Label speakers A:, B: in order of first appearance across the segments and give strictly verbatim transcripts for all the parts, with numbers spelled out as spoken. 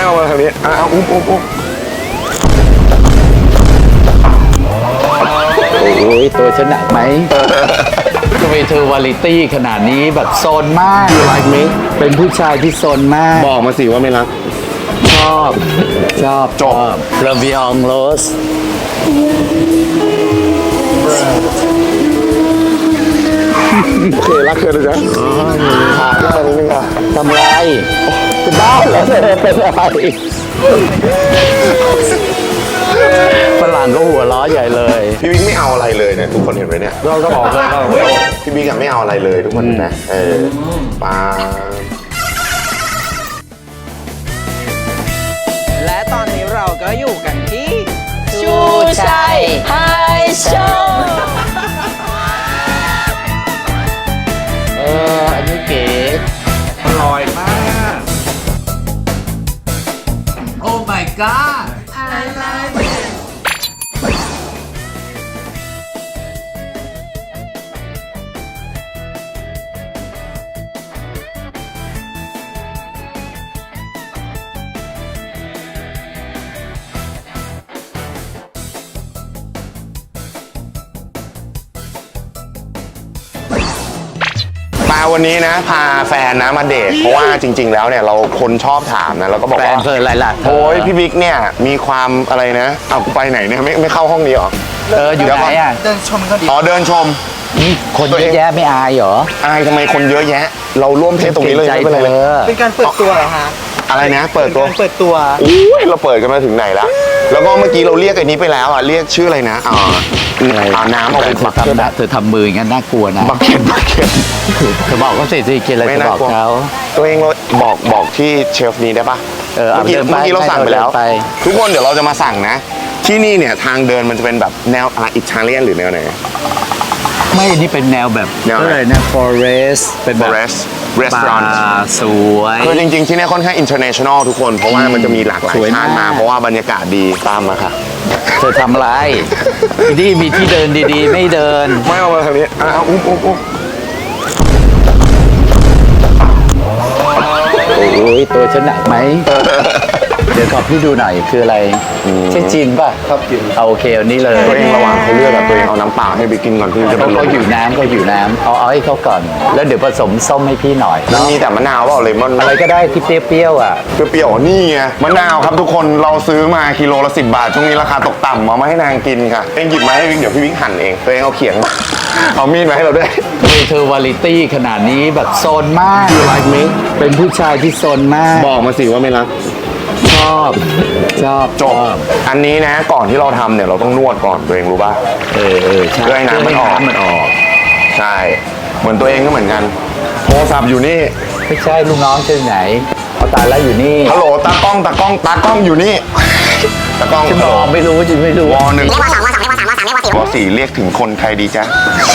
A: เอามาทางนี้อ่ะเอาอุ้มอุ้มอุ้ม
B: โอ้ยตัวฉันหนักไหมทำไมเธอวาลิตี้ขนาดนี้แบบโซนมาก
A: You like me
B: เป็นผู้ชายที่โซนมาก
A: บอกมาสิว่าไม่รัก
B: ชอบชอบ
A: จบ
B: ลาวิองโรส
A: โอเครักเธอเลยนะพาขึ้นมานิดนึงอ่ะ
B: ทำไรจะบ้าแล้วเธอเป็นอะไรฝรั่งก็หัวล้อใหญ่เลย
A: พี่บิ๊กไม่เอาอะไรเลยเนี่ยทุกคนเห็นไหมเนี่ย
B: เราก็บอกเลยว่า
A: พี่บิ๊กอะไม่เอาอะไรเลยทุกคนเห็นไหมเออปา
C: และตอนนี้เราก็อยู่กันที่
D: ชูชัยไฮโชว์
B: เอออันนี้เก๋อร่อยมาก โอ้ my god I love it
A: มาวันนี้นะพาแฟนนะมาเดทเพราะว่าจริง ๆ แล้วเนี่ยเราคนชอบถามนะแล้วก็บอก
B: แฟ
A: ว่าน
B: เธออะไรล่ะเธ
A: โอ้ยพี่บิ๊กเนี่ยมีความอะไรนะเอากูไปไหนเนี่ยไม่ไม่เข้าห้องนี้หรอ
B: เอออยู่ไหนอ่ะ
C: เดินชมก็ดี
A: อ๋อเดินชม
B: นี่คนเยอะแยะไม่อายเหรอ
A: อายทำไมคนเยอะแยะ เราร่วมเพศตรงนี้เลย
B: ใจ
A: ไม่เป็นไร
B: เธ
A: เลย
B: อ
C: เป็นการเปิดตัวเหรอคะ
A: อะไรนะเปิดตัว
C: เป็นการเปิดตัว
A: อุ้ยเราเปิดกันมาถึงไหนละแล้วก็เมื่อกี้เราเรียกไอ้นี้ไปแล้วอ่ะเรียกชื่ออะไรนะอ่าเอาน้ำเอาไปบัก
B: เธ
A: เก็
B: อ
A: ต
B: ทำเธอทำมืออย่างนั้นน่ากลัวนะ
A: บักเก็ตบักเก็ต
B: เธอบอกเขาสิสิกินอะไร
A: ไม่
B: เธอ
A: น่า
B: บอก
A: กลัว
B: เขา
A: ตัวเองเราบอกบอกที่เชฟนี้ได้ปะ
B: เออเอา
A: เมื่อกี้
B: เดินไป
A: เมื่อกี้เราสั่งไปแล้ว
B: เดินไป
A: ทุกคนเดี๋ยวเราจะมาสั่งนะ ที่นี่เนี่ยทางเดินมันจะเป็นแบบแนวอะไรอิตาเลียนหรือแนวไหน
B: ไม่อันนี้เป็นแนวแบบ
A: แนวไหน
B: อะไรนะ forest เป็นแบบ
A: Forest Restaurant
B: บาร์สวย
A: คือจริงๆที่นี่ค่อนข้าง international ทุกคนเพราะว่ามันจะมีหลากหลาย
B: สวย
A: ชาติ
B: มาม
A: าก เพราะว่าบรรยากาศดีตามมาค่ะ
B: เธอทำอะไรที่มีที่เดินดีๆ ไม่เดิน
A: ไม่เอามาทางนี้อ่ะเอาอุ้มอุ้มอุ้ม
B: โอ้ยตัวฉันหนักไหม เดี๋ยวขอพี่ดูหน่อยคืออะไรใช่จีนป่ะครับจีนเอาโอเคเอานี่เลย
A: ตัวเองระหว่างเขาเลือกอะตัวเองเอาน้ำเปล่าให้ไปกินก่อนที่จะ
B: เขา
A: เป็นล
B: เขา
A: ม
B: อยู่น้ำเขาอยู่น้ำเอาเอาให้เขาก่อน แล้วเดี๋ยวผสมส้มให้พี่หน่อย
A: มันมีแต่มะนาวเปล่าเลมอน
B: อะไรก็ได้ที่เปรี้ยวๆอ่ะ
A: เปรี้ยวๆนี่ไงมะนาวครับทุกคนเราซื้อมากิโลละสิบบาทช่วงนี้ราคาตกต่ำเอามาให้นางกินค่ะเองหยิบมาให้วิกเดี๋ยวพี่วิกหั่นเองตัวเองเอาเขียงมาเอามีดมาให้เราด้วย
B: ทำไมเธอวาลิตี้ขนาดนี้แบบโซนมาก
A: You like me
B: เป็นผู้ชายที่โซนมาก
A: บอกมาสิว่าไม่รัก
B: ชอบชอบ
A: จบอันนี้นะก่อนที่เราทำเนี่ยเราต้องนวดก่อนตัวเองรู้ป่ะ
B: เออเออใช่
A: เพื่อให้น้ำมันออก
B: มันออก
A: ใช่เหมือนตัวเองก็เหมือนกันโทรศัพท์อยู่นี่
B: ไม่ใช่ลูกน้องเจอไหนเอาตายแล้วอยู่นี่
A: ฮัลโหลตากล้องตากล้องตากล้องอยู่นี่ตากล้อง
B: ฉันบอกไม่รู้ฉันไม่รู้
A: วอหนึ่งวอสี่เรียกถึงคนใครดีจ๊ะ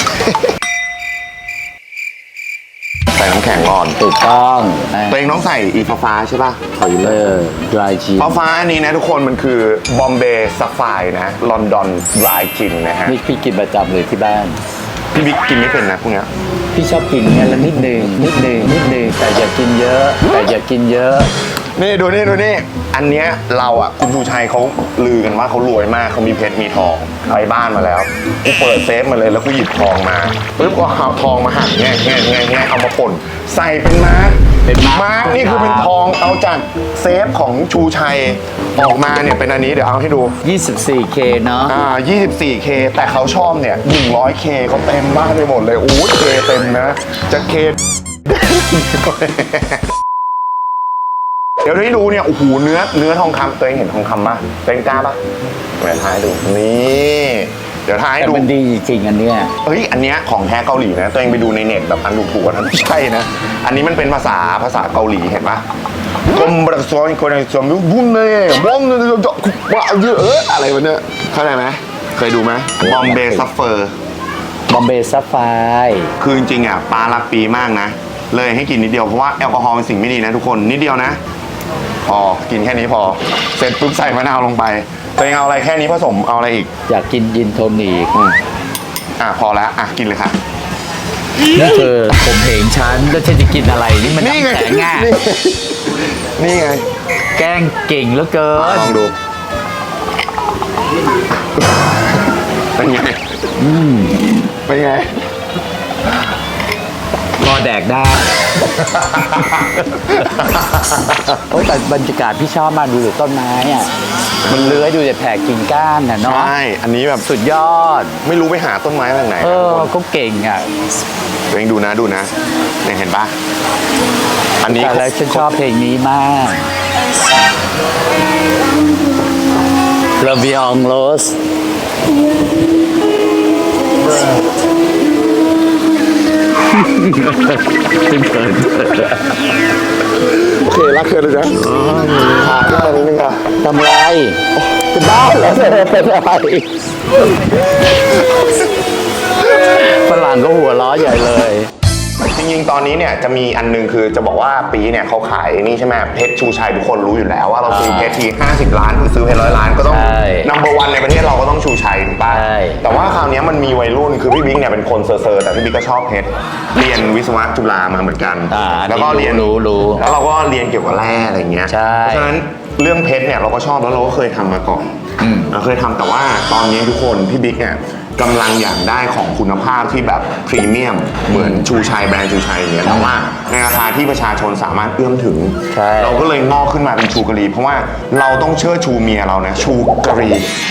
A: ใส่น้ำแข็งก่อน
B: ถูกต้อง
A: ตัวเองต้องใส่อีฟ้าฟ้าใช่ป่ะขอยืม
B: เอ
A: เลย
B: อ dry cheese
A: ฟ้าฟ้าอันนี้นะทุกคนมันคือบอมเบย์ซัฟไฟนะลอนดอนดรายจินนะฮะ
B: นี่พี่กินประจำเลยที่บ้าน
A: พี่บิ๊กกินไม่เป็นนะพวกเนี้ย
B: พี่ชอบกินงั้นละนิดหนึ่งนิดหนึ่งนิดหนึ่งแต่อย่ากินเยอะ แต่อย่ากินเยอะ
A: นี่ดูนี่ดูนี่อันเนี้ยเราอ่ะคุณชูชัยเขาลือกันว่าเขารวยมากเขามีเพชรมีทองไปบ้านมาแล้วกูเปิดเซฟมาเลยแล้วกูหยิบทองมาปุ๊บก็เอาทองมาหั่นแง่แง่แง่แง่เอามาป่นใส่เป็นมาร์ก
B: เป็นมาร์ค
A: มาร์กนี่คือเป็นทองเอาจากเซฟของชูชัยออกมาเนี่ยเป็นอันนี้เดี๋ยวเอาให้ดู
B: ยี่สิบสี่เค เนาะ
A: อ่า ยี่สิบสี่เค แต่เขาชอบเนี่ย หนึ่งร้อยเค เขาเต็มมากไปหมดเลยอู้เคเต็มนะ จะเค เดี๋ยวให้ดูเนี่ย โอ้โห เนื้อ เนื้อทองคำตัวเองเห็นทองคำปะตัวเองกล้าปะเดี๋ยวท้ายดู นี่ เดี๋ยวท้าย
B: แต่
A: ดู
B: มันดีจริงๆอันเนี้ย
A: เฮ้ย อันเนี้ยของแท้เกาหลีนะ ตัวเองไปดูในเน็ตแบบอันถูกๆนะไม่ใช่นะ อันนี้มันเป็นภาษาภาษาเกาหลีเห็นปะกรมประชาชนคนในส่วนบุ้มเลยบ้องเลยว่าเยอะเอออะไรวะเนี่ยเข้าใจไหมเคยดูไหมบอมเบย์ซัฟเฟอร์
B: บอมเบย์ซัฟไฟ
A: คือจริงๆอ่ะปลารักปีมากนะ เลยให้กินนิดเดียวเพราะว่าแอลกอฮอล์เป็นสิ่งไม่ดีนะทุกคนนิดเดียวนะ พอกินแค่นี้พอเสร็จปุ๊บใส่มะนาวลงไปตัวเองเอาอะไรแค่นี้ผสมเอาอะไรอีก
B: อยากกินยินโทนิก
A: อืมอ่ะพอแล้วอ่ะกินเลยค่ะ
B: นี่เธอผมเหงฉันแล้วฉันจะกินอะไรนี่มัน
A: นี่ไง
B: น้ำแข็งง่ะ
A: นี่นี่ไง
B: แกล้งเก่งเหลือเกิน
A: ลองดู เป็นไงเป็นไง
B: พอแดกได้ โอ้ยแต่บรรยากาศพี่ชอบมากดูต้นไม้อ่ะ มันเลื้อยดูแต่แผ่กิ่งก้านน่ะเนาะ
A: ใช่ อันนี้แบบ
B: สุดยอด
A: ไม่รู้ไปหาต้นไม้ทางไหน
B: เอ
A: นะ
B: อ
A: ทุกคน
B: ก็เก่งอ่ะ
A: ตัวเองดูนะดูนะเนี่ยเห็นปะอันนี้
B: แต่แล้วฉันชอบเพลงนี้มาก La Vie en Rose
A: โอเครักเธอเลยนะขาดได้นิดนึงอ่ะ
B: ทำไรเป็นบ้าเหรอเธอเป็นอะไรฝรั่งก็หัวล้อใหญ่เลย
A: จริงๆ ตอนนี้เนี่ยจะมีอันนึงคือจะบอกว่าปีเนี่ยเขาขายนี่ใช่ไหมเพชรชูชัยทุกคนรู้อยู่แล้วว่าเราซื้อเพชรทีห้าสิบล้านคือซื้อเพชรร้อยล้านก็ต้อง
B: ใช่
A: นัมเบอร์วันในประเทศเราก็ต้องชูชัยถูกป่ะ
B: ใช่
A: แต่ว่าคราวนี้มันมีวัยรุ่นคือพี่บิ๊กเนี่ยเป็นคนเซอร์ๆแต่พี่บิ๊กก็ชอบเพชรเรียนวิศวะจุฬามาเหมือนกัน
B: อ่า
A: แล้วก็เรียน
B: รู้รู้
A: แล้วเราก็เรียนเกี่ยวกับแร่อะไรเงี้ย
B: ใช่
A: เพราะฉะนั้นเรื่องเพชรเนี่ยเราก็ชอบแล้วเราก็เคยทำมาก่อน
B: อืม
A: เราเคยทำแต่ว่าตอนนี้ทุกคนพี่บิ๊กเนี่ยกำลังอยากได้ของคุณภาพที่แบบพรีเมียมเหมือนชูชัยแบรนด์ชูชัยอย่างเงี้ยแต่ว่าในราคาที่ประชาชนสามารถเอื้อมถึง
B: ใช่
A: เราก็เลยงอกขึ้นมาเป็นชูกะหรี่เพราะว่าเราต้องเชิดชูเมียเรานะชูกะหรี่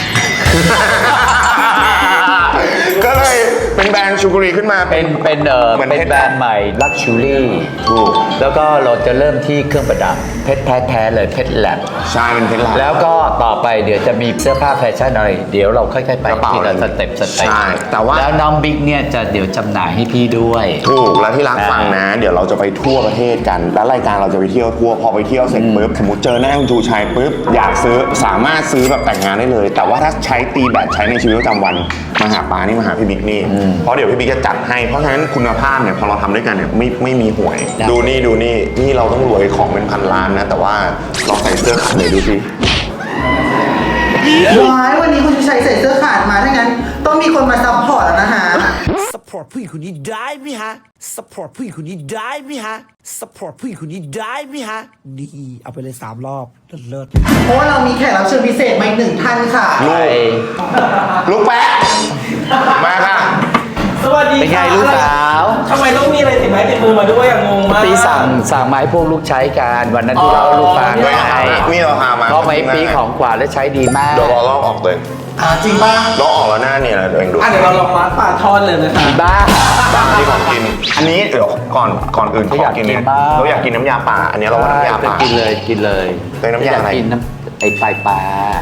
A: ก็เลยเป็นแบรนด์ชูกะหรี่ขึ้นมา
B: เป็นเป็นเออ
A: เหมือน
B: เป็น
A: เพชร
B: แบรนด์ใหม่ Luxury
A: ถูก
B: แล้วก็เราจะเริ่มที่เครื่องประดับเพชรแท้ๆเลยเพชรแลบ
A: ใช่เป็นเพชรลา
B: แล้วก็ต่อไปเดี๋ยวจะมีเสื้อผ้าแฟชั่นอะไร เดี๋ยวเราค่อยๆไป
A: กระเป๋า
B: ทีละสเต็ปสเต็ป
A: ใช่แต่ว่า
B: แล้วน้องบิ๊กเนี่ยจะเดี๋ยวจำหน่ายให้พี่ด้วย
A: ถูกแล้วที่รักฟังนะ เดี๋ยวเราจะไปทั่วประเทศกัน แล้วรายการเราจะไปเที่ยวทั่วพอไปเที่ยวเสร็จปุ๊บสมมติเจอหน้าคุณชูชัยปุ๊บอยากซื้อสามารถซื้อแบบแต่งงานได้เลย แต่ว่าถ้าใช้ตีแบตใช้ในชีวิตประจำวันมาหาปานี่มาหาพี่บิ๊กนี่เพราะเดี๋ยวพี่บิ๊กจะจัดให้เพราะฉะนั้นคุณภาพเนี่ยพอเราทำด้วยกันเนี่ยไม่ไม่มีห่วย
B: ได้
A: ดูนี่ดูนี่นี่เราต้องรวยของเป็นพันล้านนะ แต่ว่าเราใส่เสื้อขาดเลยดูสิ
C: ว้ายวันนี้คุณชัยใส่เสื้อขาดมาถ้างั้น ต้องมีคนมาซัพพอร์ตแล้วนะฮะ
E: สปอร์ตผู้หญิงคนนี้ได้ไหมฮะสปอร์ตผู้หญิงคนนี้ได้ไหมฮะสปอร์ตผู้หญิงคนนี้ได้ไหมฮะนี่เอาไปเลยสามรอบเลิศ
C: เพราะว่าเรามีแขกรับเชิญพิเศษมาอีกหนึ่งท่านค่ะ
A: ลูกลูกแป๊ะมาค่ะ
F: สวัสดี
B: เป็นไง
F: ค่ะ
B: ลูกสาว
F: ทำไมต้องมีอะไรติดไม้ติดมือมาด้วยอะงงมาก
B: ปีสั่งสั่งมาให้พวกลูกใช้กันวันนั้นที่เราลูกฟัง
A: ด้วย
B: ไง
A: นี่เราพามา
B: เพราะไม้ปีของกว่าและใช้ดีมาก
A: เดี๋ยวเราลอกออกเลย
C: อ่าจริงป่ะ
A: ลอกออกแล้วหน้าเนี่ยนะตัวเองดู
F: อ่ะเดี๋ยวเราลองมาปลาทอดเลยนะคะ
B: บ้า
A: บางที่ของกิน อันนี้เดี๋ยวก่อนก่อนอื่นข
B: เขา
A: อ
B: อยาก
A: กินเนี่ย
B: กินมาก
A: เราอยากกินน้ำยาป่า อันนี้เราว่าน้ำยาป่า
B: กินเลยกินเลย
A: เป็นน้ำยาอะไร
B: กกินน้ำไอปลายปลา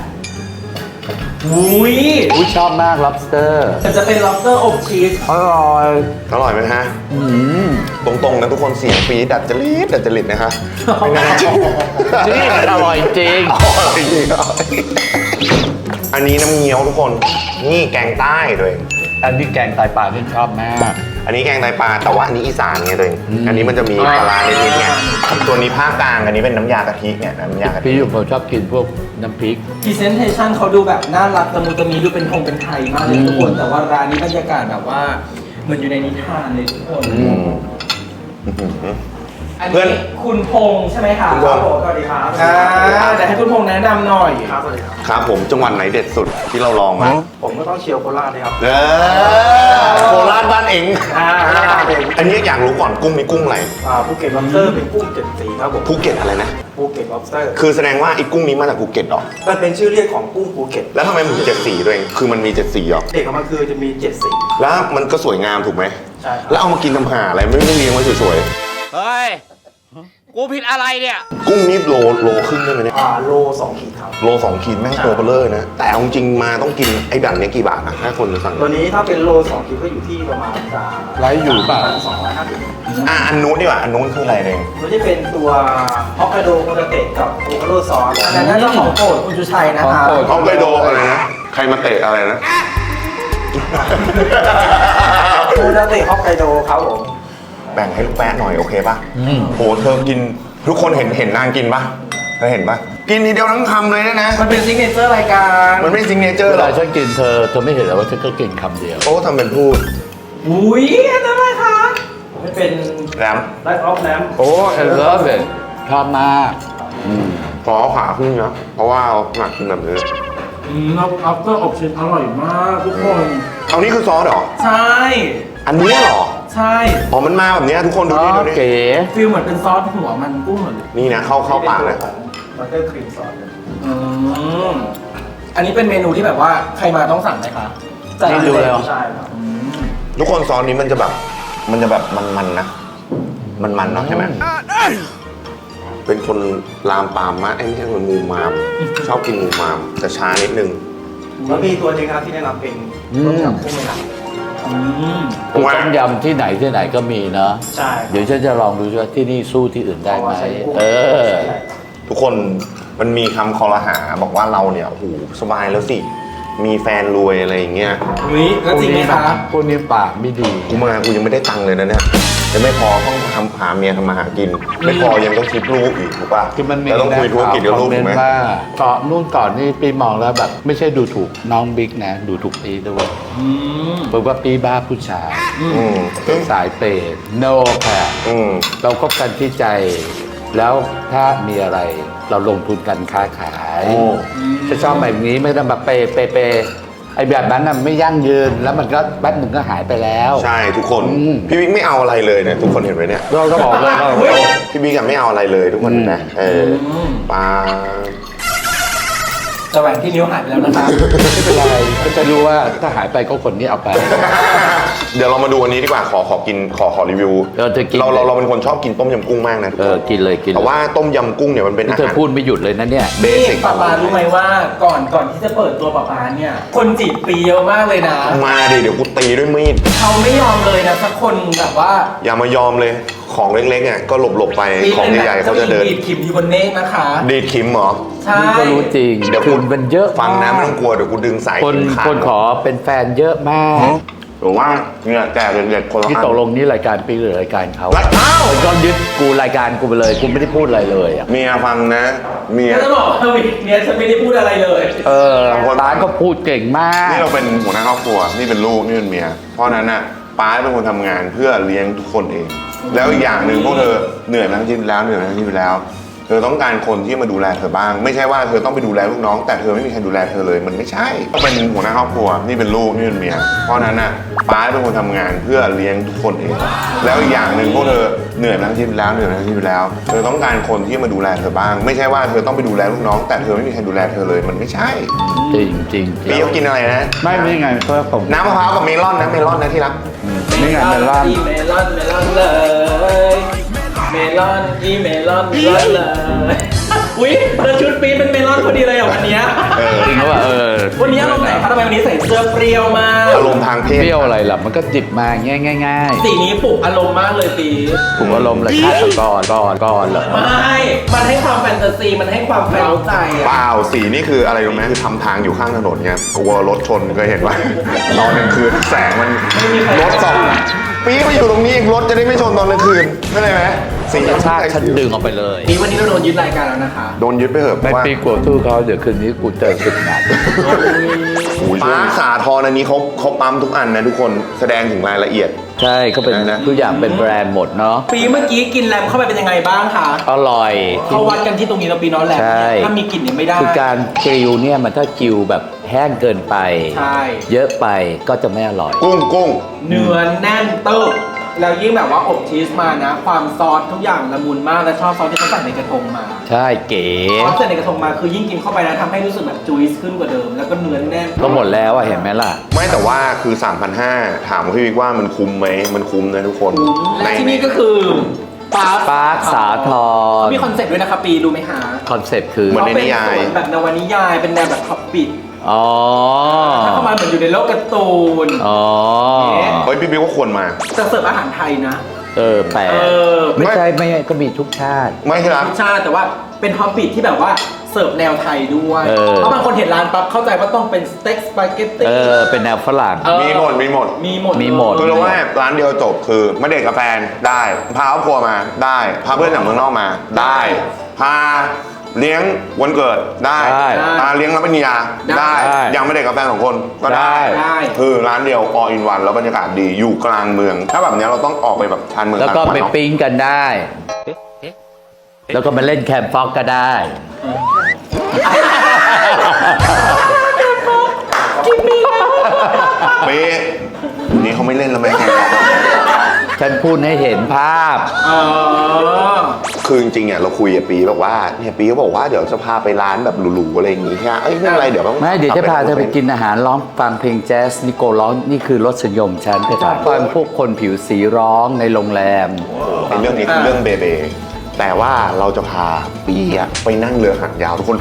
F: อุ้ย
B: อุ้ยชอบมาก lobster
F: มันจะเป็น lobster อบชีส
B: อร่อย
A: อร่อยไหมฮะตรงๆนะทุกคนเสียงปี๊ดดัดจริตดัดจริตนะคะไม่น่าเชื่อ
B: นี่มันอร่อยจริง
A: อร่อยจริงอร่อยอันนี้น้ำเงี้ยวทุกคน นี่แกงใต้ตัวเอง
B: อันที่แกงไตปลาที่ชอบมาก
A: อันนี้แกงไตปลาแต่ว่าอันนี้อีสานไงตัวเอง อันนี้มันจะมีปลาร้านิดๆไงตัวนี้ภาคกลางอันนี้เป็นน้ำยากะทิเนี่ยน้ำยากะทิ
B: พี่อยู่ผมชอบกินพวกน้ำพริก
F: presentation เขาดูแบบน่ารักตะมุตะมีดูเป็นทงเป็นไทยมากเลยทุกคน แต่ว่าร้านนี้บรรยากาศแบบว่าเหมือนอยู่ในนิทานเลยทุกคน
A: อืมอื้อหือ
F: อัน
A: เพื่อน
F: นี้คุณพงษ์ใช่ไหมคะ
A: คุณพงษ์
F: สวัสดีครับอ่าเดี๋ยวให้คุณพงษ์แนะนำหน่อยครับสวัสดีครับ
A: ครับผมจังหวัดไหนเด็ดสุดที่เราลองมา
F: ผมก็ต้องเชียวโคราชเลยครับ
A: เออโคราชบ้านเอง
F: อ่า
A: อันนี้อยากรู้ก่อนกุ้งมีกุ้งอะไร
F: อ่าภูเก็ต lobster เป็นกุ้งเจ็ดสีครับผม
A: ภูเก็ตอะไรนะ
F: ภูเก็ต lobster
A: คือแสดงว่าไอ้กุ้งนี้มาจากภูเก็ตเหรอ
F: มันเป็นชื่อเรียกของกุ้งภูเก็ต
A: แล้วทำไมมันถึงเจ็ดสีด้วยเองคือมันมีเจ็ดสีเหรอ
F: เด็กของมันคือจะมีเจ็ดสี
A: แล้วมันก็สวยงามถูกไหม
F: ใช่ครับ
A: แล้วเอามากินทำหาอะไรไม่ไม่เลี้ยงไว้สวย
D: เฮ้ย กูผิดอะไรเนี่ย
A: ๆ กุ้งนี่โลโลครึ่งได้ไหมเนี่ย
F: อ่าโลสองขีดครับ
A: โลสองขีดแม่งตัวเบลเลอร์นะ แต่เอาจริงมาต้องกินไอ้ดันเนี้ยกี่บาทนะถ้าคนจะสั่ง
F: ตัวนี้ถ้าเป็นโลสองขีดก็อยู่ที่ประมาณจะ
B: ไลฟ์อยู่เปล่า
F: สองร้อยห้าสิบ
A: อ่ะอันนู้นดีกว่าอันนู้นคืออะไรเอง
F: ตัวที่เป็นตัวฮอกไกโดโคตาเตะกับโอคาโรซอสอันนั้นน่าจะของโปรดคุณชูชัยนะครับ
B: ของโปรด
A: ฮอกไกโดอะไรนะ ใครมาเตะอะไรนะ
F: โคตาเตะฮอกไกโดครับผม
A: แบ่งให้ลูกแป๊ะหน่อยโอเคป่ะโหเธอกินทุกคนเห็นเห็นนางกินป่ะเธอเห็นป่ะ กินทีเดียวทั้งคำเลยนะนะ
F: มันเป็นซิกเนเจอร์รายการ
A: มันไม่ซิงเนเจอร์
B: เว
A: หร
B: ลา
A: อก
B: ฉันกินเธอเธอไม่เห็นเหรอว่าฉันก็กินคำเดียว
A: โอ้ทำเป็นพูด
F: อุ้ยอันนั้นอะไรคะมันเป็น
A: แล้ว
F: ไลฟ์ออฟแลม
B: โอ้ I love it ชอบมากอืม
A: ขอขาขึ้นนะเพราะว่าเอาหนักกินแบบนี้
F: อืมแล้วอัฟเตอร์อบชีสอร่อยมากทุกคน
A: เอานี่คือซอสเหรอ
F: ใช่
A: อันนี้เหรอ
F: ใช่
A: อ๋อมันมาแบบเนี้ยทุกคนดู
B: อ๋
A: ดิ
B: อ
A: ดูดิ
B: เก๋
F: ฟีลเหมือนเป็นซอสหัวมันกุ้งเหมือน
A: นี่นะเข้าเข้าปากเลย
F: บัตเตอร์ครีมซอสอืมอันนี้เป็นเมนูที่แบบว่าใครมาต้องสั่งไหมคะจ่าย
B: นี่ดูแล้ว
F: ใช่ครับอืม
A: ทุกคนซอสนี้มันจะแบบ มันจะแบบมันๆนะ มันๆเนาะใช่ไหมเป็นคนลามปามมากไอ้นี่เป็นคนมูมาม ชอบกินมูมามแต่ช้านิดนึง
F: แล้วมีตัวจริงครับที่แนะนำเป็น
B: อืม
F: ต้มยำกุ้งไม่หนักอืม
B: คือต้มยำที่ไหนที่ไหนก็มีเนาะ
F: ใช่
B: เดี๋ยวฉันจะลองดูว่าที่นี่สู้ที่อื่นได้ไหมเออ
A: ทุกคนมันมีคำคอรหาบอกว่าเราเนี่ยโอ้โหสบายแล้วสิ มีแฟนรวยอะไรอย่างเงี้ย
F: อุ้ยแล้วจริงไหมคะ
B: พวกนี้ปากไม่ดี
A: กูมากูยังไม่ได้ตังค์เลยนะเนี่ยยังไม่พอต้องทำหาเมียทำมาหากิน ไม่พอยังต้องคิดลูกอีกถูกป่ะ
B: คือมันมี
A: แล้วต้องคุยธุรกิจกับลูก
B: คอมเม
A: ถู
B: น
A: กไหม
B: ต์ว่าก่อนนู่นก่อนนี่ปีมองแล้วแบบ ไม่ใช่ดูถูกน้องบิ๊กนะ ดูถูกปีด้วย
F: อืม
B: บอกว่าปีบ้าผู้ชาย
A: อืม
B: เป็นสายเปย์โนค่ะ
A: อืม
B: เราคบกันที่ใจ แล้วถ้ามีอะไรเราลงทุนกันค้าขาย
A: โอ้
B: จะชอบแบบนี้ไม่ต้องมาเปย์เปย์เปย์ไอ้แบบนั้นน่ะไม่ยั่งยืนแล้วมันก็แป๊บหนึ่งก็หายไปแล้ว
A: ใช่ทุกคน
B: อืม
A: พี่บิ๊กไม่เอาอะไรเลยเนี่ยทุกคนเห็นไหมเนี่ย
B: เราก็บอกเลยว่า
A: พี่บิ๊กอะไม่เอาอะไรเลยทุกคนเห็นไหมเออปลา
F: แต่แหวนที่นิ้วหายไปแล้วนะคะ
B: ไม่เป็นไรก็จะรู้ว่าถ้าหายไปก็คนนี้เอาไป
A: เดี๋ยวเรามาดูอันนี้ดีกว่าขอขอกินขอขอรีวิว
B: เออเธอกิน
A: เราเราเราเป็นคนชอบกินต้มยำกุ้งมากนะทุก
B: เอ
A: ค
B: อน กินเลยกิน
A: แต่ว่าต้มยำกุ้งเนี่ยมันเป็น
B: นี่
A: อา
B: เธอ
A: หาร
B: พูดไม่หยุดเลยนะเนี่ย
A: เบสิก
F: ป๊าป๊ารู้ไหมว่าก่อนก่อนที่จะเปิดตัวป๊าป๊าเนี่ย คนจีบปีเยอะมากเลยนะ
A: มาดิเดี๋ยวกูตีด้วยมีด
F: เขาไม่ยอมเลยนะสักคนแบบว่า
A: อย่ามายอมเลยของเล็กๆอ่ะก็หลบหลบๆไป
F: ปี
A: ของใหญ่ๆเขาจะเดิน
F: ดีดขิมอยู่บนเมฆนะคะ
A: ดีดขิมเหรอ
F: ใช่
B: นี่ก็รู้จริง
A: เดี๋ยว
B: คือมันเยอะ
A: ฟังนะ
B: าก
A: ไม่ต้องกลัวเดี๋ยวกูดึงสาย
B: คน
A: เข็มขาด
B: คนขอเป็นแฟนเยอะมาก
A: หรือว่าเนี่ยแจกเด็กๆคนละ
B: ที่
A: อัน
B: ตกลงนี่รายการปีหรือรายการเขา
A: รักอ้าว
B: ก็ยึดกูรายการกูไปเลยกูไม่ได้พูดอะไรเลยอะ
A: เมียฟังนะเมีย
F: ก็จะบอกว่าวีคเนี้ยฉันไม่ได้พูดอะไรเลย
B: เออร้านก็พูดเก่งมาก
A: นี่เราเป็นหัวหน้าครอบครัวนี่เป็นลูกนี่เป็นเมีย เพราะฉะนั้นน่ะป้าเป็นคนทำงานเพื่อเลี้ยงทุกคนเอง แล้วอีกอย่างหนึ่งพวกเธอเหนื่อยมาทั้งชีวิตแล้วเหนื่อยมาทั้งชีวิตแล้ว เธอต้องการคนที่มาดูแลเธอบ้าง ไม่ใช่ว่าเธอต้องไปดูแลลูกน้อง แต่เธอไม่มีใครดูแลเธอเลยมันไม่ใช่ต้องเป็นหัวหน้าครอบครัวนี่เป็นลูกนี่เป็นเมีย เพราะฉะนั้นน่ะป้าเป็นคนทำงานเพื่อเลี้ยงทุกคนเอง แล้วอีกอย่างหนึ่งพวกเธอเหนื่อยมาทั้งชีวิตแล้วเหนื่อยมาทั้งชีวิตแล้ว เธอต้องการคนที่มาดูแลเธอบ้าง ไม่ใช่ว่าเธอต้องไปดูแลลูกน้อง แต่เธอไม่มีใครดูแลเธอเลยมันไม่ใช่
B: จริงจริงจริ
A: พี่
B: ง
A: เขากินอะไรนะ
B: ไม่ไม่ไงเพราะผม
A: น้ำมะพร้าวกับเมลอนนะเมลอนนะที่รัก
B: นี่ไงเมลอน
F: อีเมลอนเมลอนเลย เมลอนอีเมลอนเมลอนเลย อุ๊ยแล้วชุดปีนเป็นเมลอนพอดีเลยอ่ะวันเนี้ย
A: เออ
B: จริงว่าเออ
F: วันนี้อารมณ์ไหนคะทำไมวันนี้ใส่เสื้อเปรี้ยวมาก
A: อารมณ์ทางเพศ
B: เปรี้ยวอะไรล่ะมันก็จิบมาง่ายง่าย
F: สีนี้ปลุกอารมณ์มากเลยปี
B: ๆผมอารมณ์เลยฆาตกรก่อนก่อนเหรอ
F: ไม่ มันให้ความแฟนตาซี มันให้ความเร้าใจ
A: เป
F: อะ
A: ล่าสีนี่คืออะไรรู้ไหมคือทำทางอยู่ข้างถนนไงกลัวรถชนเคยเห็นว่า ตอนกลางคืนแสงมันรถส่องปี๊มาอยู่ตรงนี้รถจะได้ไม่ชนตอนกลางคืนเข้าใจไหมสี
B: กระชากฉันดึงออกไปเลย
F: ปีวันนี้เราโดนยึดรายการแล้วนะคะ
A: โดนยึดไปเหอะ
B: ไม่
A: ว่า
B: ปีกลัวสู้เขาเดี๋ยวคืนนี้กูเจอสุดหนัก
A: ป้าสาทรอันนี้เขาเขาปั๊มทุกอันนะทุกคนแสดงถึงรายละเอียด
B: ใช่ก็เป็น
A: ได้นะ
B: ทุกอย่างเป็นแบรนด์หมดเนาะ
F: ปีเมื่อกี้กินแรมเข้าไปเป็นยังไงบ้างคะ
B: อร่อย
F: เขาวัดกันที่ตรงนี้เราปีน้อยแรม
B: ใช่
F: ถ้ามีกลิ่นเนี่ยไม่ได้
B: คือการกริลเนี่ยมันถ้ากิวแบบแห้งเกินไป
F: ใช่
B: เยอะไปก็จะไม่อร่อย
A: กุ้งกุ้ง
F: เนื้อแน่นเติบแล้วยิ่งแบบว่าอบชีสมานะ ความซอสทุกอย่างละมุนมากและชอบซอสที่เขาใส่ในกระทงมา
B: ใช่เก๋
F: ซอสใส่ในกระทงมาคือยิ่งกินเข้าไปนะทำให้รู้สึกแบบจุยส์ขึ้นกว่าเดิม แล้วก็เนื้อแน่น
B: ก็หมดแล้วอะเห็นไหมล่ะ
A: ไม่แต่ว่าคือ สามพันห้าร้อย ถามพี่วิกว่ามันคุ้มไหมมันคุ้มนะทุกคน
F: และที่นี่ก็คือปาร์ค
B: ปาร์คสาทร
F: มีคอนเซ็ปต์ด้วยนะคะปีรู้ไหมคะ
B: คอนเซ็ปต์คือ
A: เหมือนใน
F: เขาเป็น
A: นิยาย
F: สวนแบบนวนิยายเป็นแนวแบบท็อปปิด
B: อ๋อ
F: ถ้าเข้ามาเหมือนอยู่ในโลกการ์ตูน
B: อ๋อ
A: เฮ้ยพี่บิ๊กว่าควรมา
F: จะเสิร์ฟอาหารไทยนะ
B: เออแปลก
F: เออ
B: ไม่ใช่ไม่ก็มีทุกชาติ
A: ไม่ใช่รัก
F: รสชาติแต่ว่าเป็นท็อปปิดที่แบบว่าเสิร์ฟแนวไทยด้วย
B: เออ
F: เพราะบางคนเห็นร้านปั๊บเข้าใจว่าต้องเป็นสเต็กสปาเกตตี้
B: เออเป็นแนวฝรั่ง
F: เออ
A: มีหมดมีหมด
F: มีหมด
B: มีหมด
A: คือเราว่าร้านเดียวจบคือมาเด็กกับแฟนได้พาครอบครัวมาได้พาเพื่อนจากเมืองนอกมาได้พาเลี้ยงวันเกิดได้
B: ได้
A: พาเลี้ยงรับปริญญาได้
B: ได้
A: ยังไม่เด็กกับแฟนสองคนก็ได้
F: ได้
A: คือร้านเดียว all in one แล้วบรรยากาศดีอยู่กลางเมือง ถ้าแบบเนี้ยเราต้องออกไปแบบชานเมือง
B: แล้วก็
A: ต่างจังห
B: ไป
A: วัดเนอะ
B: ปิ้งกันได้แล้วก็มาเล่นแคมฟ็อกก็ได้
A: เป๊ะนี่เขาไม่เล่นแล้วไหมแก
B: ฉันพูดให้เห็นภาพ
F: อ๋อ
A: คือจริงๆอ่ะเราคุยกับปีบอกว่าเนี่ยปีเขาบอกว่าเดี๋ยวจะพาไปร้านแบบหรูๆอะไรอย่างงี้ใช่ไหมเอ้ยไม่เป็นไรเดี๋ยวต้อง
B: ไม่เดี๋ยวจะพาเธอไปกินอาหารร้องฟังเพลงแจ๊สนิโกร้องนี่คือรสนิยมฉันเธอฟังพวกคนผิวสีร้องในโรงแรม
A: ในเรื่องนี้คือเรื่องเบเบแต่ว่าเราจะพาปีอะไปนั่งเรือหางยาวทุกคน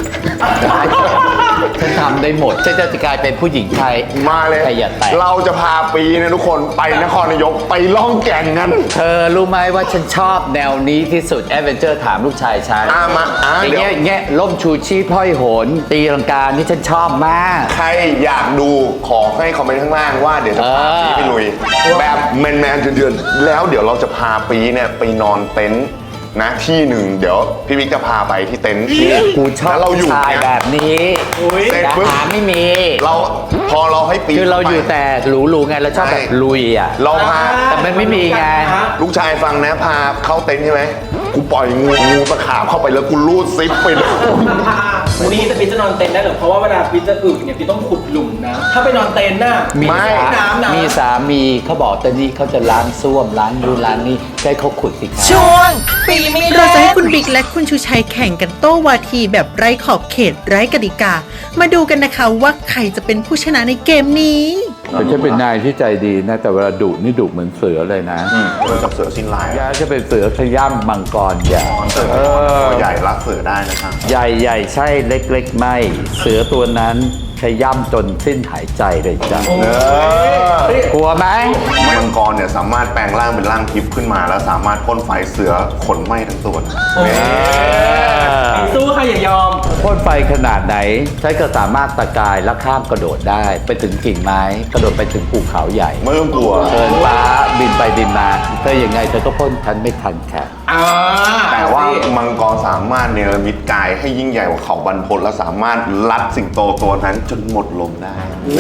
B: ฉันทำได้หมดฉันจะกลายเป็นผู้หญิงไทย
A: มาเลย
B: ใครอย่าแตะ
A: เราจะพาปีนะทุกคนไปนครนายกไปล่องแก่งกัน
B: เธอรู้ไหมว่าฉันชอบแนวนี้ที่สุดแอดเวนเจอร์ถามลูกชายฉัน
A: อ่ะมาอ่ะ
B: อย่าง
A: เดี๋ยว
B: เงี้ยอย่างเงี้ยล่มชูชีพห้อยโหน ตีลังกานี่ฉันชอบมาก
A: ใครอยากดูขอให้คอมเมนต์ข้างล่างว่าเดี๋ยวจะพาปีไปลุย แบบแมนๆเดือนๆแล้วเดี๋ยวเราจะพาปีเนี่ยไปนอนเต็นท์นะที่หนึ่งเดี๋ยวพี่บิ๊กจะพาไปที่เต็นท์ที่
B: กูชอบ
A: แล้วเราอยู่
B: ชาย
A: เนี่ย
B: แบบนี้
A: เสร็จ
B: แต่
A: ปุ๊บ
B: หาไม่มี
A: เราพอเราให้ปี
B: คือเรา
A: ไป
B: อยู่แต่หรูๆไงเราชอบแบบลุยอ่ะ
A: เราพา
B: แต่มันไม่มีไง
A: ลูกชายฟังนะพาเข้าเต็นท์ใช่ไหมกูปล่อยงูงูตะขาบเข้าไปแล้วกูรูดซิปไปเลย
F: วันนี้จะพี่จะนอนเต็นท์ได้เหรอเพราะว่าเวลาพี่จะอึเนี่ยพี่ต้องขุดหลุมนะ ถ้าไปนอนเต็นท์น่ะ
B: มี
A: ไม่
B: สา
F: น้ำนะ
B: มีสามีเขาบอกตอนนี้เขาจะล้างส้วมล้างดูล้างนี่ใช้เขาขุดสิครับ
D: ช่วงปีไม่
C: เรา
D: เล่
C: จะให้
D: น
C: คุณบิ๊กและคุณชูชัยแข่งกันโต้วาทีแบบไร้ขอบเขตไร้กติกา มาดูกันนะคะว่าใครจะเป็นผู้ชนะในเกมนี้
B: แต่ฉันเป็นนายที่ใจดีนะแต่เวลาดุนี่ดุเหมือนเสือเลยนะ
A: เออกับเสือสิ้นลาย
B: ยาจะเป็นเสือขย้ำมังกรใหญ่
A: เสือ
B: เออ
A: ตัวใหญ่รักเสือได้นะครับ
B: ใหญ่ใหญ่ใช่เล็กๆไม่ เสือตัวนั้นขย้ำจนสิ้นหายใจเลยจ้ะ
A: เออก
B: ลัวไหม
A: มังกรเนี่ยสามารถแปลงร่างเป็นร่างทิพย์ขึ้นมา แล้วสามารถพ่นไฟเสือขนไหม้ทั้งตัวนะนี่
F: สู้ค่ะอย่ายอม
B: พ่นไฟขนาดไหนฉันก็สามารถตะกายและข้ามกระโดดได้ ไปถึงกิ่งไม้ กระโดดไปถึงภูเขาใหญ่
A: ไม่ต้องกลัว
B: เดินฟ้าบินไปบินมาเธอยังไงเธอก็พ่นฉันไม่ทันค่ะ
F: อ่า
A: แต่ว่ามังกรสามารถเนรมิตกายให้ยิ่งใหญ่กว่าเขาบรรพตและสามารถลัดสิงโตตัวนั้นจนหมดลมได้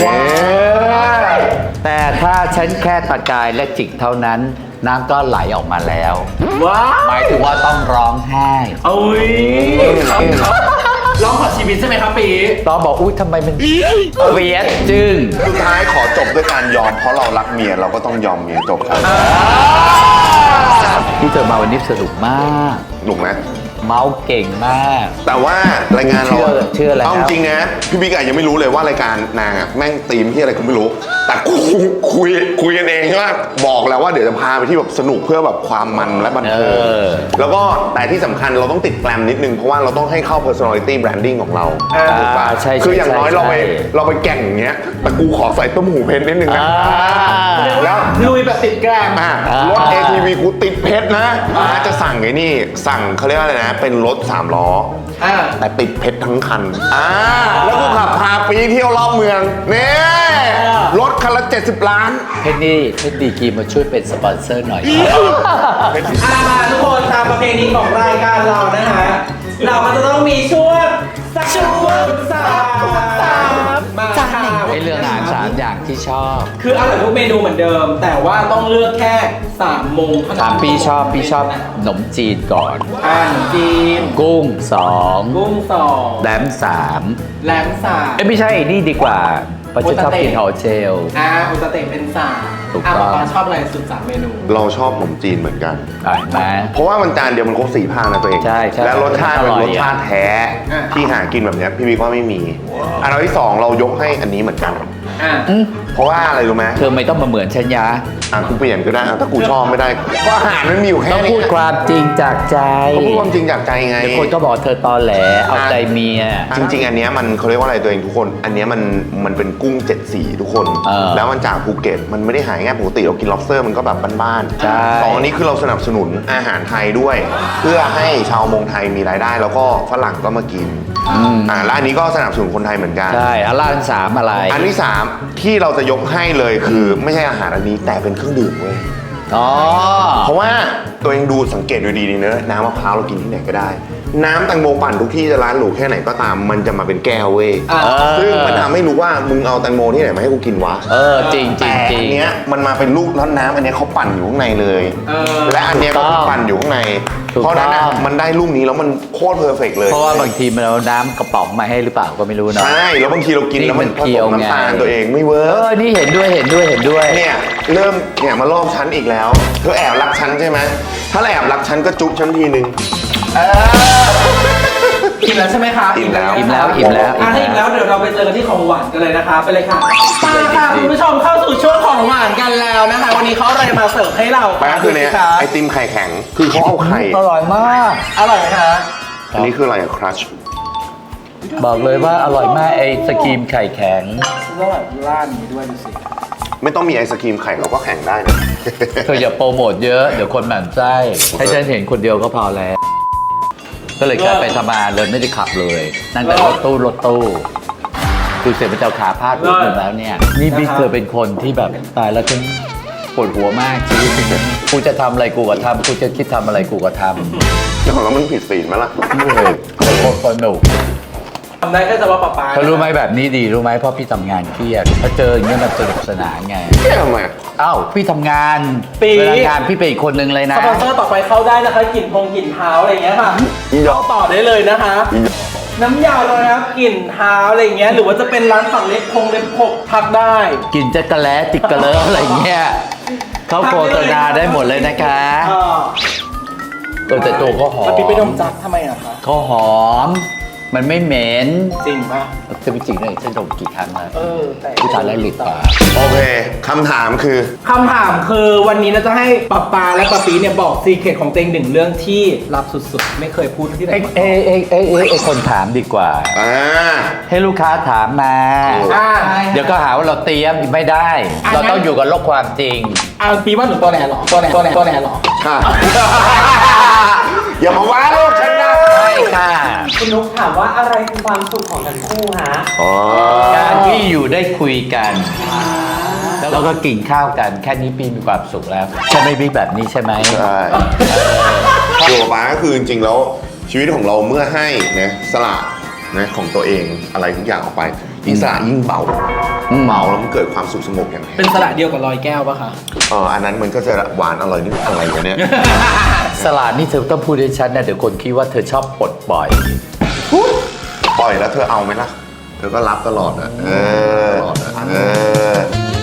B: แต่ถ้าฉันแค่ตะกายและจิกเท่านั้น น้ำก็ไหลออกมาแล้ว
F: ว้า
B: หมายถึงว่าต้องร้องไห้
F: โอ้ยร้องขอชีวิตใช่ไหมครับปี
B: ต้องบอกอุ้ยทำไมมันเวียดจึง
A: สุดท้ายขอจบด้วยการยอมเพราะเรารักเมียเราก็ต้องยอมเมียจบครับ
B: ที่เธอมาวันนี้สนุกมาก
A: หนุกไหม
B: เมาส์เก่งมาก
A: แต่ว่ารายงานเรา
B: เชื่อเชื่อแล้ว
A: เอาจริงนะพี่บิ๊กอะยังไม่รู้เลยว่ารายการนางอะแม่งตีมที่อะไรก็ไม่รู้ แต่คุยคุยคุยกันเองใช่ไหมบอกแล้วว่าเดี๋ยวจะพาไปที่แบบสนุกเพื่อแบบความมันและบันเทิง
B: เออ
A: แล้วก็แต่ที่สำคัญเราต้องติดแกรมนิดนึงเพราะว่าเราต้องให้เข้า personality branding ของเรา
B: อ่า
A: ถูกปะ
B: ใช่ใช่
A: คืออย่างน้อย
B: ใช่
A: เราไป
B: ใช่
A: เราไปแก่งอย่างเงี้ยแต่กูขอใส่ต้มหูเพชรนิดนึงนะ
B: อ่า
A: แล้ว
F: ลุยแบบติดแกรม
A: อ่ะ
B: อ่าร ร
A: ถ เอ ที วี กูติดเพชรนะอ่าจะสั่งไอ้นี่ สั่งเขาเรียกว่าอะไรนะ เป็นรถสามล้อ
F: อ่า
A: แต่ติดเพชรทั้งคัน อ่า แล้วกูขับพาปีเที่ยวรอบเมืองนี่รถคันละเจ็ดสิบล้าน
B: เพชรนี่เพชรดีกรีมาช่วยเป็นสปอนเซอร์หน่อย
F: อ่ามาทุกคนตามประเพณีของรายการเรานะฮะ เราก็จะต้องมีช่วงสักช่วงสามมาค่ะ
B: ไอเรื่องอาหารสามอย่างที่ชอบ
F: คืออร่อยทุกเมนูเหมือนเดิม แต่ว่าต้องเลือกแค่สามโมงเท่านั้น
B: ถามพี่ชอบพี่ชอบขนมจีนก่อน
F: อ่าขนมจีน
B: กุ้งสอง
F: กุ้งสอง
B: แหลมสาม
F: แหลมสาม
B: เอ้ยไม่ใช่นี่ดีกว่าเพราะฉันชอบกินหอเจล
F: อ่าอุตเตะเป็นสาม
B: ถูก
F: อ่า
B: ต้อง
F: ป๊าชอบอะไรสุดสามเมนู
A: เราชอบขนมจีนเหมือนกัน
B: อ่ะเห็นไหม
A: เพราะว่ามันจานเดียวมันครบสี่ภาคนะตัวเอง
B: ใช่ใช่
A: และรสชาติเป็น
B: อร่อย
A: รสชาติแท้
F: อ่ะ
A: ที่หากินแบบเนี้ยพี่บิ๊กว่าไม่มี อันดับที่สองเรายกให้อันนี้เหมือนกัน
F: อ่า
A: เพราะว่าอะไรรู้ไหม
B: เธอไม่ต้องมาเหมือนฉันยะ
A: อ่ะกูเปลี่ยนก็ได้อ่ะถ้ากูชอบไม่ได้ก็อาหารมันมีอยู่แค่
B: ต้อง
A: นี้
B: พูดความจริงจากใจ
A: เขาพูดความจริงจากใจไง
B: เดี๋ยวคนก็บอกเธอตอแหลเอาใจเมีย
A: จริง ๆ อันเนี้ยมันเขาเรียกว่าอะไรตัวเองทุกคน อันเนี้ยมันมันเป็นกุ้งเจ็ดสีทุกคน
B: เออ
A: แล้วมันจากภูเก็ตมันไม่ได้หายง่ายปกติเรากิน lobster มันก็แบบบ้าน
B: ใช่
A: ๆสองอันนี้คือเราสนับสนุนอาหารไทยด้วย เพื่อให้ชาวมงไทยมีรายได้ แล้วก็ฝรั่งก็มากินอ่าและอันนี้ก็สนับสนุนคนไทยเหมือนกัน
B: ใช่อันล่างสามอะไร
A: อันที่สามที่เราจะยกให้เลยคือไม่ใช่อาหารอันนี้แต่เป็นเครื่องดื่มเว้ย
B: อ๋อ
A: เพราะว่าตัวเองดูสังเกตดูดีๆเนอะน้ำมะพร้าวเรากินที่ไหนก็ได้น้ำแตงโมปั่นทุกที่จะร้านหรูแค่ไหนก็ตาม มันจะมาเป็นแก้วเว้ย
F: อ่า
A: ซึ่งมันทำให้รู้ว่ามึงเอาแตงโมที่ไหนมาให้กูกินวะ
B: เออจริงจริ
A: แต่
B: งจริ
A: อั
B: ง
A: นเนี้ยมันมาเป็นลูกร้อนน้ำอันเนี้ยเขาปั่นอยู่ข้างในเลย
F: เออ
A: และอันเนี้ยก็คือปั่นอยู่ข้างใน
B: ถูก
A: เพราะฉะนั้นอะ
B: ต้อง
A: มันได้ลูกนี้แล้วมันโคตรเพอร์เฟกเลย
B: เพราะว่าบางทีมันเอาน้ำกระป๋องมาให้หรือเปล่าก็ไม่รู้เนาะ
A: ใช่แล้วบางทีเรากิน
B: นี่
A: แล้วมัน
B: มัน
A: ผ
B: เคี้
A: ส
B: ยว
A: ม
B: ไง
A: น้ำตาลตัวเองไม่เวิ
B: เอ
A: ร์ก
B: อนี่เห็นด้วยเห็นด้วยเห็นด้วย
A: เนี่ยเริ่มเนี่ยมาลอบฉันอีกแล้วเธอแอบรักฉันใช่ไหมถ้าแอบรักฉันก็จุ๊บฉันทีนึง
F: อิ่มแล้วใช่ไหมคะ
A: อิ่มแล้ว
B: อิ่มแล้วอิ่มแล้ว
F: อ่ะถ้าอิ่มแล้วเดี๋ยวเราไปเจอกันที่ของหวานกันเลยนะคะไปเลยค่ะมาค่ะคุณผู้ชมเข้าสู่ช่วงของหวานกันแล้วนะคะ วันนี้เขาเอาอะไรมาเสิร์ฟให้เรา
A: ไปก็คือเนี่ย
F: ดูสิะ
A: ไอติมไข่แข็งคือเขาเอาไข่
B: อร่อยมาก
F: อร่อยไหมคะ
A: อันนี้คืออะไรอะครัช
B: บอกเลยว่าอร่อยมากไอ้สกรีมไข่แข็ง
F: ฉันก็แบบร้านนี้ด้วยดูสิ
A: ไม่ต้องมีไอศครีมไข่เราก็แข็งได้นะ
B: เธออย่าโปรโมทเยอะเดี๋ยวคนหมั่นไส้ให้ฉันเห็นคนเดียวก็พอแล้ว ก็เลยกลายไปทำงานเลยไม่ได้ขับเลย นั่งแต่รถตู้รถตู้ดูเสร็จมันจะเอาขาพาดหัวหมดแล้วเนี่ย นี่บิ๊กเธอเป็นคนที่แบบตายแล้วฉันปวดหัวมากชีวิตนี้กูจะทำอะไรกูก็ทำกูจะคิดทำอะไรกูก็ทำ
A: แล้วของเรามันผิดศีลไหมล่ะ
B: เลยโคตรสนุก
F: ทำได้แค่เฉพาะป๊าป๊า
B: เขารู้ไหมแบบนี้ดีรู้ไหมเพราะพี่ทำงานเครียดพอเจออย่างเงี้ยมันสนุกสนานไง
A: เอ๊ะทำไมอะ
B: อ้าวพี่ทำงานเวลางานพี่เป็นอีกคนนึงเลยนะ
F: สปอนเซอร์ต่อไปเข้าได้นะคะกลิ่นพงกลิ่นเท้าอะไรอย่างเงี้ยค่ะเข้าต่อได้เลยนะคะ น้ำยาเลยนะครับกลิ่นเท้าอะไรอย่างเงี้ยหรือว่าจะเป็นร้านฝั่งเล็บพงเล็บพกทักได้
B: กินจักระแล้ติดกระเลิฟอะไรเงี้ยเขาโฆษณาได้หมดเลยนะคะ
F: อ่า
B: เออแต่ตัวเขาหอม
F: แล้วพี่ไปดมจักทำไมอะคะ
B: เขาหอม มันไม่เหม็น
F: จริงปะ
B: จะไม่จริงเลยฉันดมกี่ครั้งแล้ว
F: เออแต่
B: ผู้ชายแล้วหลีดปาก
A: โอเคคำถามคือ
F: คำถามคือวันนี้เราจะให้ป๊าป๊าและป๊าปีเนี่ยบอกซีเคร็ตของตัวเองหนึ่งเรื่องที่ลับสุดๆ ไม่เคยพูดที่ไหน
B: เอ้ย
F: มาก่อน
B: เอ้ยเอ้ยเอ้ยเอ้ยไอ้คนถามดีกว่า
A: อ่า
B: ให้ลูกค้าถามมา
F: อ่า
B: เดี๋ยวก็หาว่าเราเตรียมไม่ได้
F: อ่ะ
B: เราต้องอยู่กับโลกความจริง
F: อ่าปีว่าหนูตัวแหนเหรอตัวแหนตัวแหนตัวแหนเหรอ
A: ค่ะ อย่ามาว่าลูกฉันนะ
B: ใช่ค่ะ
D: คุณนุ๊กถามว่าอะไรคือความสุขของทั้งคู่ฮะ
A: อ๋อ
B: การที่อยู่ได้คุยกัน แล้วก็กินข้าวกัน แค่นี้ปีมีความสุขแล้ว ใช่ไหมพี่แบบนี้ใช่ไหม
A: ใช่อยู่กับป้าก็คือจริงๆแล้วชีวิตของเราเมื่อให้นะสละนะของตัวเองอะไรทุกอย่างออกไปยิ่งสละยิ่งเบา
B: อืม
A: เบาแล้วมันเกิดความสุขสงบอย่างแท้
F: เป็นสระเดียวกับรอยแก้วปะคะ
A: เอออันนั้นมันก็จะหวานอร่อยนี่อะไรวะเนี่ย
B: สลัดนี่เธอต้องพูดให้ชัดนะเดี๋ยวคนคิดว่าเธอชอบปลดปล่อย
A: ปล่อยแล้วเธอเอาไหมล่ะ เธอก็รับตลอดนะเออเออ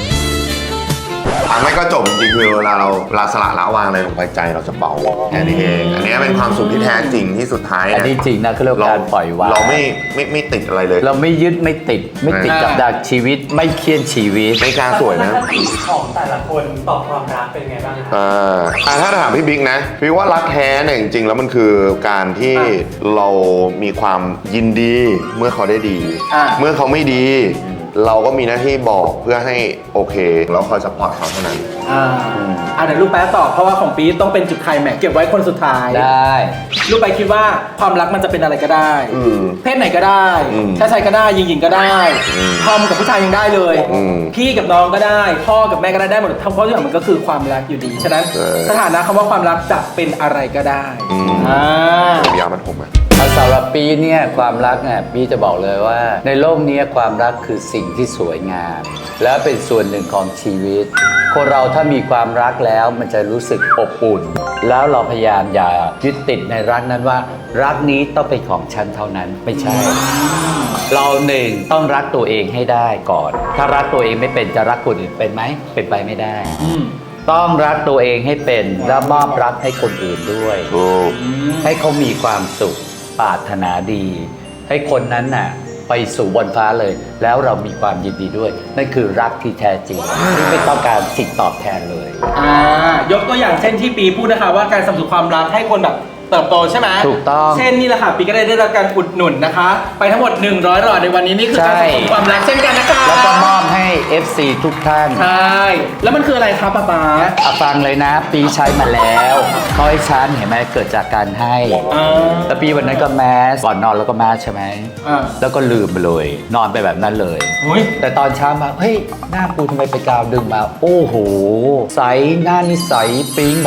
A: อันไม่ก็จบจริงๆคือเวลาเราเวลาสละละวางอะไรลงไปใจเราจะเบาแค่นี้เองอันนี้เป็นความสุขที่แท้จริงที่สุดท้าย
B: อันนี้จริงนะเขาเรียกว่าการปล่อยวาง
A: เราไม่ไม่ไม่ติดอะไรเลย
B: เราไม่ยึดไม่ติด ไม่ติดกับดักชีวิต ไม่เครียดชีวิต
A: ไม่กล้าสวยนะ
D: ทัศนคติของแต่ละคนต่อความรักเป็นไงบ้างคะ
A: อ่าอ่าถ้าถามพี่บิ๊กนะพี่ว่ารักแท้เนี่ยจริงๆแล้วมันคือการที่เรามีความยินดีเมื่อเขาได้ดี
F: อ่า
A: เมื่อเขาไม่ดี เราก็มีหน้าที่บอกเพื่อให้โอเคแล้วคอยสปอร์ตเขาเท่านั้น
F: อ่าอ่าเดี๋ยวลูกแป๊ะตอบเพราะว่าของปี๊ดต้องเป็นจุดไคลแม็กซ์เก็บไว้คนสุดท้าย
B: ได้
F: ลูกไปคิดว่าความรักมันจะเป็นอะไรก็ได้
A: อืม
F: เพศไหนก็ได้
A: อืม
F: ชายชายก็ได้หญิงหญิงก็ได้
A: อืม
F: ทอมกับผู้ชายยังได้เลย
A: อืม
F: พี่กับน้องก็ได้ พ่อกับแม่ก็ได้ได้หมดทั้งเพราะทุกอย่างมันก็คือความรักอยู่ดี ฉะนั้น
A: เออ
F: สถานะคำว่าความรักจะเป็นอะไรก็ได้
A: อืม
F: อ่า
A: ยามันผมอ่ะ
B: เอาสำหรับปีเนี่ยความรักเนี่ยปีจะบอกเลยว่า ในโลกนี้ความรักคือสิ่งที่สวยงาม และเป็นส่วนหนึ่งของชีวิต คนเราถ้ามีความรักแล้วมันจะรู้สึกอบอุ่น แล้วเราพยายามอย่ายึดติดในรักนั้นว่า รักนี้ต้องเป็นของฉันเท่านั้นไม่ใช่ เราหนึ่งต้องรักตัวเองให้ได้ก่อน ถ้ารักตัวเองไม่เป็นจะรักคนอื่นเป็นไหมเป็นไปไม่ได้
F: อืม
B: ต้องรักตัวเองให้เป็นและมอบรักให้คนอื่นด้วย
A: ถูก
B: ให้เขามีความสุขปรารถนาดี ให้คนนั้นน่ะไปสู่บนฟ้าเลย แล้วเรามีความยินดีด้วย นั่นคือรักที่แท้จริงที่ไม่ต้องการสิ่งตอบแทนเลย
F: อ่ายกตัวอย่างเช่นที่ปีพูดนะคะว่าการสนับสนุนความรักให้คนแบบเติบโตใช่ไหม
B: ถูกต้อง
F: เช่นนี่แหละค่ะปีก็ได้ได้รับการอุดหนุนนะคะ ไปทั้งหมดหนึ่งร้อยหลอดในวันนี้นี่คือการสนับสนุนความรักเช่นกันนะคะ
B: แล้วก็มอบให้ เอฟ ซี ทุกท่าน
F: ใช่แล้วมันคืออะไรครับป๊าป๊า
B: เอาฟังเลยนะ ปีใช้มาแล้วเขาให้ฉันเห็นไหมเกิดจากการให้
F: อ่า
B: แล้วปีวันนั้นก็แมสก่อนนอนแล้วก็แมสใช่ไหม
F: อ่า
B: แล้วก็ลืมไปเลย นอนไปแบบนั้นเลย
F: อุ้ย
B: แต่ตอนเช้ามา เฮ้ย หน้ากูทำไมไปกาวดึงมา โอ้โห ใส หน้านี่ใสปิ๊งแบบ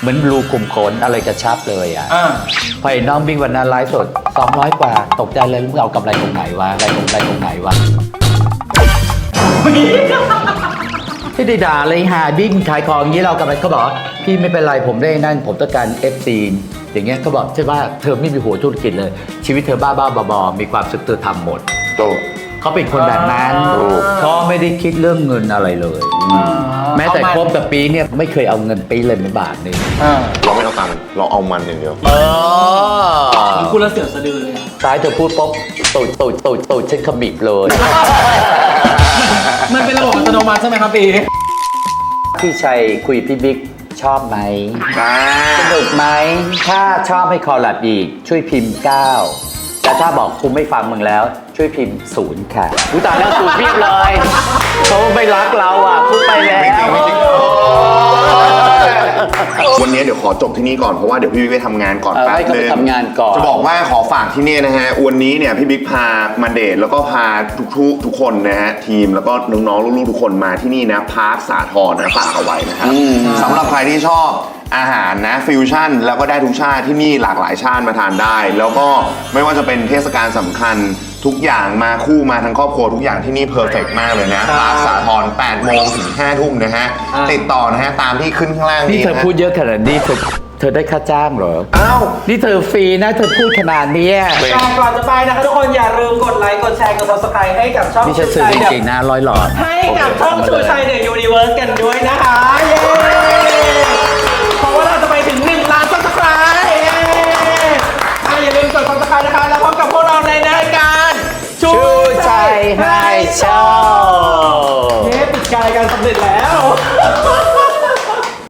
B: เหมือนรูขุมขนอะไรกระชับเลยอ่ะ
F: อ่า
B: พอเห็นน้องบิ๊กวันนั้นไลฟ์สดสองร้อยกว่าตกใจเลยมึงเอากำไรตรงไหนวะกำไรตรงไหนตรงไหนวะที่ได้ด่าเลยหาบิ๊กขายของอย่างนี้เรากำไรเขาบอกว่าพี่ไม่เป็นไรผมได้นั่นผมต้องการเอฟซีอย่างเงี้ยเขาบอกใช่ว่าเธอไม่มีหัวธุรกิจเลย ชีวิตเธอบ้าบ้าๆบอๆมีความสุขเธอทำหมด
A: โต
B: เขาเป็นคนแบบนั้น
A: ถูก
B: เขาไม่ได้คิดเรื่องเงินอะไรเลย แม้แต่คบกับปีเนี่ยไม่เคยเอาเงินปีเลยไม่บาทหนึง
A: เราไม่เอาตังค์เราเอามันอย่างเดียว
B: เออ
F: คุณละเสือสะดือเลยอะ
B: ซ้ายเธอพูดปุ๊บตูดตูดตูดตูดฉันขมิบเลย
F: มันเป็นระบบอัตโนมัติใช่ไหมครับปี
B: พี่ชัยคุยพี่บิ๊กชอบไหม
A: อ่า
B: สนุกไหมถ้าชอบให้คอลแลบอีกช่วยพิมพ์เก้าแต่ถ้าบอกกูไม่ฟังมึงแล้วช่วยพิมพ์ศูนย์ค่ะกูตายแล้วศูนย์พิมพ์เลยเขาไม่รักเราอ่ะพูดไปแล้ว
A: ไม่จริงไม่จริงวันนี้เดี๋ยวขอจบที่นี่ก่อนเพราะว่าเดี๋ยวพี่บิ๊กไปทำงานก่อน
B: เออ
A: แป๊บ
B: ให้เขา
A: นึ
B: ไป
A: ง
B: ทำงานก่อน
A: จะบอกว่าขอฝากที่นี่นะฮะวันนี้เนี่ยพี่บิ๊กพามาเดทแล้วก็พาทุกทุกทุกคนนะฮะทีมแล้วก็น้องๆลูกๆทุกคนมาที่นี่นะพาร์คสาทรนะฝากเอาไว้นะครับสำหรับใครที่ชอบอาหารนะฟิวชั่นแล้วก็ได้ทุกชาติที่นี่หลากหลายชาติมาทานได้ แล้วก็ไม่ว่าจะเป็นเทศกาลสำคัญทุกอย่างมาคู่มาทั้งครอบครัวทุกอย่างที่นี่เพอร์เฟกต์มากเลยนะพาร์คสาทรแปดโมงถึงห้าทุ่มนะฮะติดต่อนะฮะตามที่ขึ้นข้างล่าง
B: นี่
A: นี้
B: เธอ
A: นะ
B: พูดเยอะขนาดนี้เธอเธอได้ค่าจ้างเหรอ
A: อ้าว
B: นี่เธอฟรีนะเธอพูดขนาดเนี้ย
F: แต่ก่อนจะไปนะคะทุกคนอย่าลืมกดไลค์ กดแชร์ กด subscribe ให้กับช่อง
B: นี่ฉัน
F: ชู
B: ซื้อ
F: ชัย
B: จ
F: เด
B: ริงๆนะร้อยหลอด
F: ให้กับช่องชูชัยเดอะยูนิเวิร์สกันด้วยนะคะ เย้ เพราะว่าเราจะไปถึงหนึ่งล้าน subscribe เย้อ่ะอย่าลืมกด subscribe นะคะ แล้วพบกับพวกเราในรายการชูชัยไฮโชว์เย้ปิดการรายการสำเร็จแล้ว